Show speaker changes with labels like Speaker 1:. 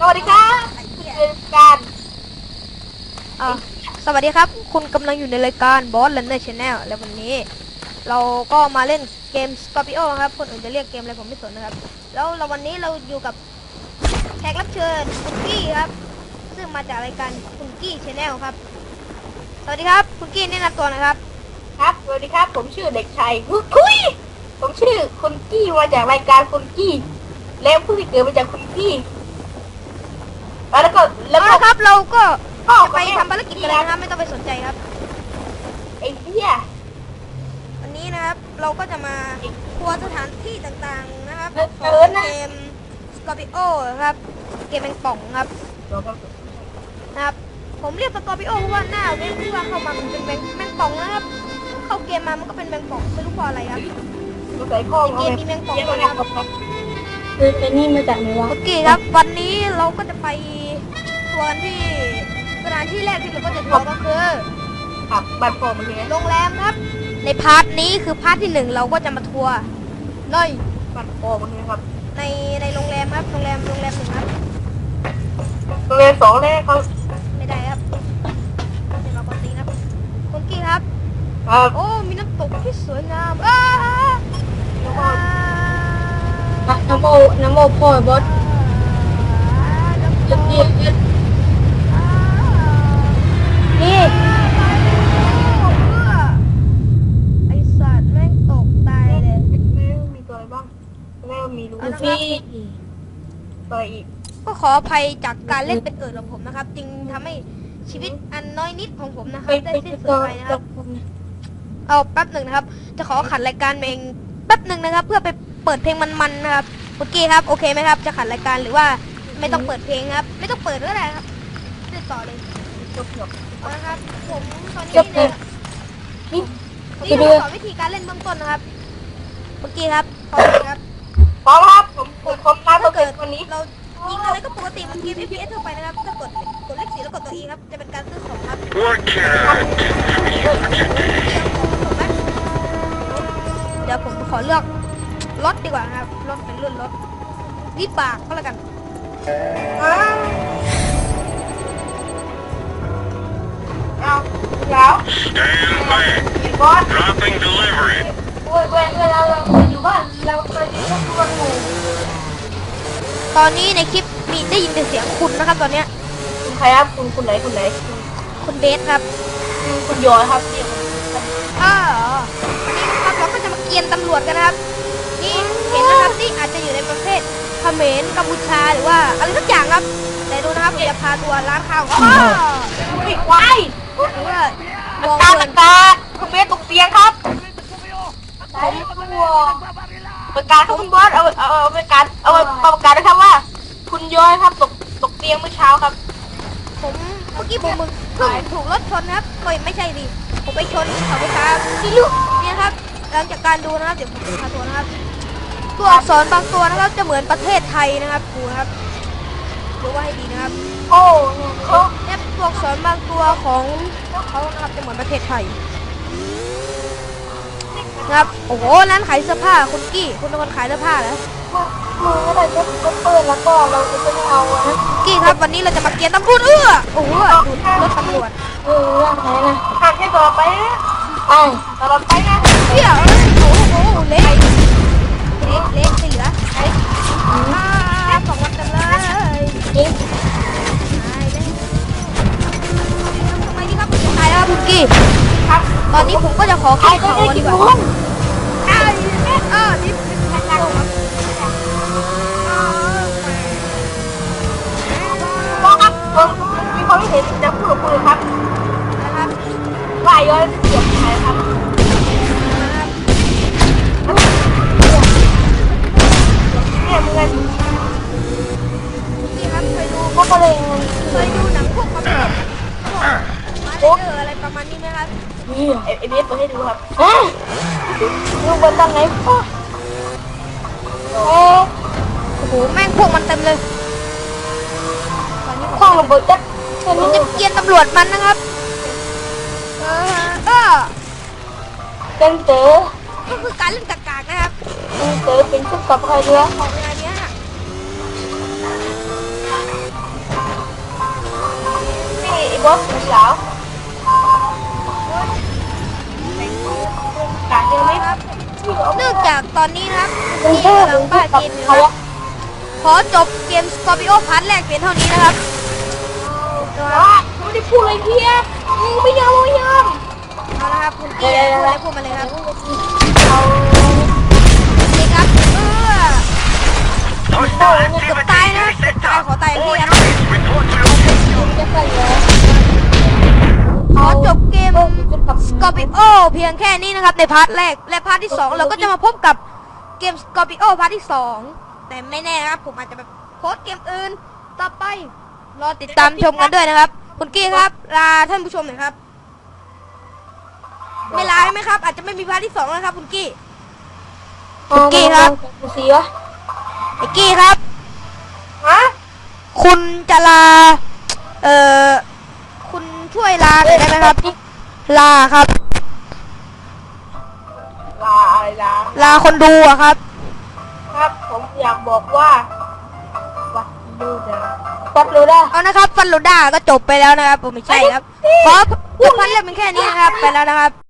Speaker 1: วัสดีครับเป็นการ
Speaker 2: สวัสดีครับคุณกำลังอยู่ในรายการ Boss Runner Channel และวันนี้เราก็มาเล่นเกม Scorpio ครับคนอื่นจะเรียกเกมอะไรผมไม่สนนะครับแล้ววันนี้เราอยู่กับแขกรับเชิญคุณกี้ครับซึ่งมาจากรายการคุณกี้ Channel ครับสวัสดีครับคุณกี้แนะนำตัวนะครับ
Speaker 1: ครับสวัสดีครับผมชื่อเด็กชายคุยผมชื่อคุณกี้มาจากรายการคุณกี้แล้วผู้ที่เกิดมาจากคุณกี้แล้วก็
Speaker 2: ครับเราก็
Speaker 1: ก็
Speaker 2: จะไปทำภารกิจกันเลยนะครับไม่ต้องไปสนใจครับ
Speaker 1: ไอ้เหี้ย
Speaker 2: วันนี้นะครับเราก็จะมาทัวร์สถานที่ต่างๆนะครับของเกม Scorpio ครับเกมแมงป่องครับนะครับผมเรียกสกอร์ปิโอเพราะว่าหน้าเว็บที่ว่าเข้ามามันเป็นแมงป่องนะครับเข้าเกมมามันก็เป็นแมงป่องไม่รู้เพราะอะไรครับ
Speaker 1: ใส่ข้อ
Speaker 2: เกมมีแมงป่องนะครับ
Speaker 1: คือไอ้นี่มาจากไหนวะ
Speaker 2: โอเคครับวันนี้เราก็จะไปทัวร์กันที่สถานที่แรกที่เราก็จะทัวร์ก็คือ
Speaker 1: ครับบัตรโฟมเลย
Speaker 2: โรงแรมครับในพาร์ทนี้คือพาร์ทที่1เราก็จะมาทัวร์ใน
Speaker 1: บัตรโฟมเลยครับ
Speaker 2: ในโรงแรมครับโรงแรม1ครับ
Speaker 1: โรงแรม2เลยครับ
Speaker 2: ไม่ได้ครับเดี๋ยวเราปกติครับคุณกี้ครับโอ้มีน้ำตกที่สวยงาม
Speaker 1: น้ำโมพ่อบอสจะดี
Speaker 2: นี่ไอสัตว์แม่งตกตายเลย
Speaker 1: มีตัวอะไรบ้างแล้วมีลูฟี่ตัวอีก
Speaker 2: ก็ขออภัยจากการเล่นเป็นของผมนะครับจึงทำให้ชีวิตอันน้อยนิดของผมนะครับได้สิ้นสุดไปนะครับเอาแป๊บหนึ่งนะครับจะขอขัดรายการเองแป๊บหนึ่งนะครับเพื่อไปเปิดเพลงมันๆนะครับโอเคครับโอเคไหมครับจะขัดรายการหรือว่าไม่ต้องเปิดเพลงครับไม่ต้องเปิดก็ได้ครับเล่นต่อเลย
Speaker 1: จบ
Speaker 2: นะครับผมตอนนี้เนี่ยนี่เราสอนวิธีการเล่นเบื้องต้นนะครับโอเคครับพร้อมครับ
Speaker 1: พร้อมครับผมตามตัวเกิดวันนี้
Speaker 2: เรายิงอะไรก็ปกติมันเกม FPS ทั่วไปนะครับถ้ากดเลข 4แล้วกดตัว E ครับจะเป็นการซื้อของครับเดี๋ยวผมขอเลือกรถดีกว่าครับรถเป็นรุ่นรถวิบากก็แล้วกัน
Speaker 1: เอาแล้วบอส
Speaker 3: Dropping delivery
Speaker 1: เวลาเราอยู่บ้านเราเคยดูตัวงู
Speaker 2: ตอนนี้ในคลิปมีได้ยินแต่เสียงคุณนะครับตอนเนี้ย
Speaker 1: ใครครับคุณไหน
Speaker 2: คุณเบสครับ
Speaker 1: คุณยอยครับนี่
Speaker 2: วันนี้นะครับเราก็จะมาเกียนตำรวจกันนะครับนี่เห็นนะครับนี่อาจจะอยู่ในประเทศเขมรกัมพูชาหรือว่าอะไรสักอย่างครับแต่ดูนะครับจะพาตัวร้านข้าว
Speaker 1: ปิดไว้
Speaker 2: หรือว่ามอง
Speaker 1: ตาคุณเบสตกเตียงครับประกาศครับคุณบอสเอาประกาศประกาศนะครับว่าคุณย้อยครับตกเตียงเมื่อเช้าครับ
Speaker 2: ผมเมื่อกี้ผมถูกรถชนนะครับไม่ใช่ดิผมไปชนเสาไฟฟ้าที่ลูกนี่ครับหลังจากการดูนะครับเดี๋ยวผมจะพาตัวนะครับตัวอักษรบางตัวนะครับจะเหมือนประเทศไทยนะครับดูนะครับดูว่าให้ดีนะครับ
Speaker 1: โอ้
Speaker 2: เนี่ยตัวอักษรบางตัวของเขานะครับจะเหมือนประเทศไทยนะครับโอ้โหร้านขายเสื้อผ้าคุณกี้คุณเป็นคนขายเสื้อผ้าเหรอ
Speaker 1: มืออะไรก็เปิดแล้วก็เราจะไม่เอานะ
Speaker 2: กี้ครับวันนี้เราจะมาเกียร์ตำรวจโอ้โหดูรถตำรวจ
Speaker 1: เรื่องไหนนะทางแค่ต่อไปนะตลอดไปนะ
Speaker 2: เดี๋ยวโอ้โหเละสิเหรอสองวันเต็มเลยทำไมนี่ครับตายแล้วคุณกี้
Speaker 1: ครับ
Speaker 2: ตอนนี้ผมก็จะขอขึ้นเขาดีกว่านี่
Speaker 1: มีความเห็นจะพูดกับคุณครับ
Speaker 2: นะครับ
Speaker 1: ว่าย้อยเสียบใครครับเนี่ยมึงไง
Speaker 2: นี่ครับเคยดู
Speaker 1: ก็เลย
Speaker 2: หนังพวกมาเจออะไรประมาณนี้ไหมครับ
Speaker 1: นี่ไอเบสมาให้ดูครับลูกบอลตอนไหนพ่อ
Speaker 2: โอ้โหแม่งพวกมันเต็มเลยตอนนี้
Speaker 1: ข้องระเบิดจัด
Speaker 2: ผมจะเกียนตำรวจมันนะครับ
Speaker 1: เป็นเต๋อ
Speaker 2: ก็คือการเล่นกากๆนะครับ
Speaker 1: เป็นเต๋อเป็นชุดกับใครเรือ
Speaker 2: ของงานเนี้ย
Speaker 1: วะสาวการเจอไหมครับ
Speaker 2: เนื่องจากตอนนี้นะครับที่กำลังบ้าเกมอยู่นะครับขอจบเกม Scorpio พาร์ทแรกเพียงเท่านี้นะครับ
Speaker 1: ว่าไม่ได้พูดอะไรเพี้ยไม่ยอม
Speaker 2: เอาละครับคุณกี้พูดมาเลยครับ
Speaker 1: เอา
Speaker 2: นี่ครับเกือบตายนะเกือบตายขอตายอย่างที่ครับ
Speaker 1: จะใส่เลย
Speaker 2: ขอจบเกม Scorpio เพียงแค่นี้นะครับในพาร์ทแรกและพาร์ทที่ 2 เราก็จะมาพบกับเกม Scorpio พาร์ทที่ 2 แต่ไม่แน่นะครับผมอาจจะแบบโพสต์เกมอื่นต่อไปรอติดตามชมกันด้วยนะครับคุณกี้ครับลาท่านผู้ชมหน่อยครับไม่ลาใช่ไหมครับอาจจะไม่มีพาร์ทที่ 2นะครับคุณกี้กี้ครับ
Speaker 1: เสีย
Speaker 2: ไอ้กี้ครับ
Speaker 1: ฮะ
Speaker 2: คุณจะลาคุณช่วยลาหน่อยได้ไหมครับลาครับ
Speaker 1: ลาอะไรลา
Speaker 2: ลาคนดูอะครับ
Speaker 1: ครับผมอยากบอกว่าวัดดูนะวัดดูนะ
Speaker 2: เอานะครับฟันโลด้าก็จบไปแล้วนะครับผมไม่ใช่ครับขอพันเล่มเป็นแค่นี้นะครับไปแล้วนะครับ